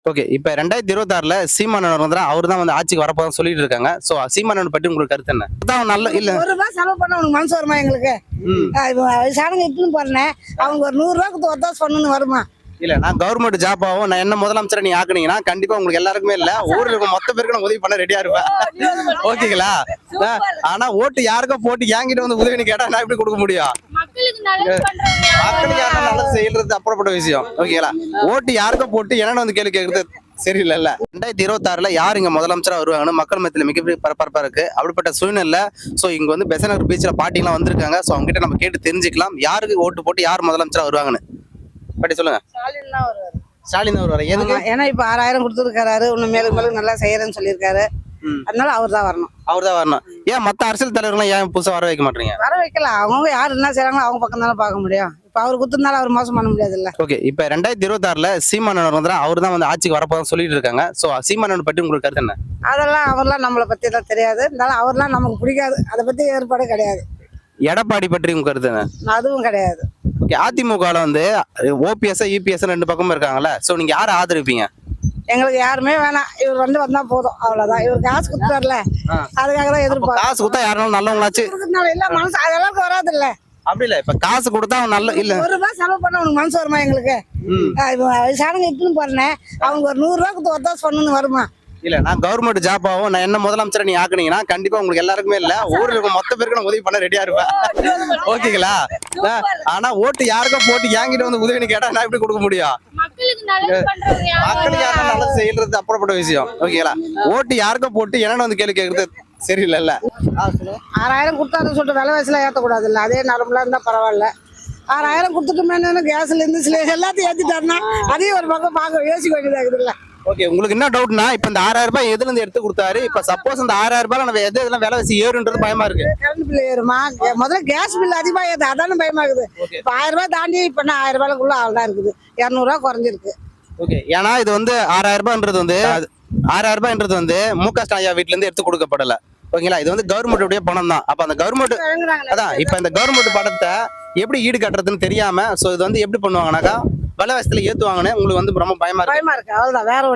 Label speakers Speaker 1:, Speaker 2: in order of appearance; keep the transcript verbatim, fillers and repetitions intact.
Speaker 1: Okay. இப்ப ரெண்டாயிரத்து இருபத்தி ஆறுல சீமானவர் வந்து அவர் தான் வந்து ஆட்சிக்கு வரப்போதான் சொல்லிட்டு இருக்காங்க. சோ சீமானவர் பத்தி உங்களுக்கு கருத்து என்ன? அதான் நல்ல இல்ல
Speaker 2: ஒரு ரூபாய் செலவு பண்ண உனக்கு மனசு வருமா எங்களுக்கு? வயசானவங்க இட்டுன்னு போறேன் அவங்க ஒரு நூறு ரூபாய்க்கு ஒத்தாசு பண்ணணும்னு வருமா?
Speaker 1: இல்ல நான் கவர்மெண்ட் ஜாப் ஆகும் நான் என்ன முதலமைச்சரை நீ ஆக்குனீங்கன்னா கண்டிப்பா உங்களுக்கு எல்லாருக்குமே இல்ல ஊர்ல இருக்க மொத்த பேருக்கு நான் உதவி பண்ண ரெடியா இருப்பேன். ஓகேங்களா? ஆனா ஓட்டு யாருக்கும் போட்டு என்கிட்ட வந்து உதவின்னு கேட்டா நான் எப்படி கொடுக்க முடியும்? மக்களுக்கு யாரும் நல்லது செய்யறது அப்புறப்பட்ட விஷயம். ஓகேங்களா? ஓட்டு யாருக்கும் போட்டு என்னன்னு வந்து கேள்வி கேட்கறது சரியில்லைல்ல. ரெண்டாயிரத்தி இருபத்தி ஆறுல யார் இங்க முதலமைச்சரா வருவாங்கன்னு மக்கள் மத்தியில மிகப்பெரிய பரபரப்பா இருக்கு. அப்படிப்பட்ட சூழ்நிலை சோ இங்க வந்து பெசநகர் பீச்ல பாட்டிலாம் வந்திருக்காங்க. சோ அவங்க கிட்ட நம்ம கேட்டு தெரிஞ்சுக்கலாம் யாருக்கு ஓட்டு போட்டு யார் முதலமைச்சரா வருவாங்கன்னு. பாட்டி சொல்லுங்க.
Speaker 2: ஸ்டாலின் தான் வருவாரு.
Speaker 1: ஸ்டாலின் தான் வருவாரு. எதுக்கு?
Speaker 2: ஏன்னா இப்ப ஆறாயிரம் கொடுத்துருக்காரு இன்னும் மேலும் மேலும் நல்லா செய்யறேன்னு சொல்லியிருக்காரு. அதனால அவர் தான் வரணும்.
Speaker 1: அவர் தான் வரணும். ஏன் மத்த அரசியல் தலைவர்கள் ஏன் புதுசா வர வைக்க மாட்டீங்க?
Speaker 2: வர வைக்கலாம். அவங்க யார் என்ன செய்யறாங்களோ அவங்க பக்கம் தானே பார்க்க முடியும். இப்ப அவர் குத்துனால அவர் மோசம் பண்ண முடியாது இல்ல.
Speaker 1: ஓகே. இப்ப ரெண்டாயிரத்தி இருபத்தி ஆறுல சீமானவர் வந்து அவர் தான் வந்து ஆட்சிக்கு வரப்போதான் சொல்லிட்டு இருக்காங்க. சோ சீமானவர் பத்தி உங்களுக்கு கருத்து என்ன?
Speaker 2: அதெல்லாம் அவர்லாம் நம்மளை பத்தி எல்லாம் தெரியாது. இருந்தாலும் அவர்லாம் நமக்கு பிடிக்காது. அதை பத்தி ஏற்பாடு கிடையாது.
Speaker 1: எடப்பாடி பற்றி உங்க கருத்து என்ன?
Speaker 2: அதுவும் கிடையாது.
Speaker 1: ஓகே. அதிமுகல வந்து ஓபிஎஸ் இபிஎஸ் ரெண்டு பக்கமும் இருக்காங்கல்ல. சோ நீங்க யாரை ஆதரிப்பீங்க?
Speaker 2: எங்களுக்கு யாருமே வேணாம். இவர் வந்து வந்தா போதும் அவ்வளவுதான். இவர் காசு கொடுத்தாருல அதுக்காக தான் எதிர்பார்க்க.
Speaker 1: காசு கொடுத்தா யாரும் நல்லவங்களாச்சு
Speaker 2: இல்ல மனசு அதெல்லாம் வராது இல்ல.
Speaker 1: அப்படி இல்ல இப்ப காசு கொடுத்தா நல்ல இல்ல
Speaker 2: ஒரு ரூபாய் செலவு பண்ண உனக்கு மனசு வருமா எங்களுக்கு? வயசானவங்க இட்டுன்னு போறேன் அவங்க ஒரு நூறு ரூபாய்க்கு ஒத்தாசு பண்ணணும்னு வருமா?
Speaker 1: இல்ல நான் கவர்மெண்ட் ஜாப் ஆகும் நான் என்ன முதலமைச்சரை நீ ஆக்குனீங்கன்னா கண்டிப்பா உங்களுக்கு எல்லாருக்குமே இல்ல ஊர்ல இருக்க மொத்த பேருக்கு நான் உதவி பண்ண ரெடியா இருப்பேன். ஓகேங்களா? ஆனா ஓட்டு யாருக்கும் போட்டு என்கிட்ட வந்து உதவின்னு கேட்டா நான் எப்படி கொடுக்க முடியும்? மக்களுக்கு யாரும் நல்லது செய்யறது அப்புறப்பட்ட விஷயம். ஓகேங்களா? ஓட்டு யாருக்கும் போட்டு என்னன்னு வந்து கேள்வி கேட்கறது சரியில்லைல்ல.
Speaker 2: ஆறாயிரம் கொடுத்தாருன்னு சொல்லிட்டு விலைவாசிலாம் ஏற்றக்கூடாது இல்லை. அதே நார்மலா இருந்தா பரவாயில்ல. ஆறாயிரம் கொடுத்துட்டு மேலே கேஸ்ல இருந்து சில எல்லாத்தையும் ஏற்றிட்டாருன்னா அதையும் ஒரு பக்கம் பார்க்க யோசிக்க வேண்டியதாக இருக்குது இல்லை.
Speaker 1: ஓகே. உங்களுக்கு என்ன டவுட்னா இப்ப இந்த ஆறாயிரம் ரூபாய் எதுல இருந்து எடுத்து கொடுத்தாரு? இப்ப சப்போஸ் இந்த ஆறாயிரம் ரூபாய் நம்ம எது இதெல்லாம் விலைவாசி ஏறுன்றது பயமா இருக்கு.
Speaker 2: கரண்ட் பில் ஏறுமா? முதல்ல கேஸ் பில் அதிகமா ஏது அதான பயமா இருக்குது. இப்ப ஆயிரம் ரூபாய் தாண்டி இப்ப ஆயிரம் ரூபாய்க்குள்ள ஆள்தான் இருக்குது. இருநூறு ரூபாய் குறைஞ்சிருக்கு.
Speaker 1: ஓகே. ஏன்னா இது வந்து ஆறாயிரம் ரூபாய்ன்றது வந்து ஆறாயிரம் ரூபாய்ன்றது வந்து மு க ஸ்டாலின் வீட்டுல இருந்து எடுத்து கொடுக்கப்படல. ஓகேங்களா? இது வந்து கவர்மெண்ட்டுடைய பணம் தான். அப்ப அந்த கவர்மெண்ட் அதான் இப்ப இந்த கவர்மெண்ட் பணத்தை எப்படி ஈடு கட்டுறதுன்னு தெரியாம சோ இது வந்து எப்படி பண்ணுவாங்கன்னாக்கா விலைவாசத்துல ஏத்துவாங்கன்னு உங்களுக்கு வந்து ரொம்ப பயமா இருக்கு.
Speaker 2: பயமா இருக்கு அவ்வளவுதான். வேற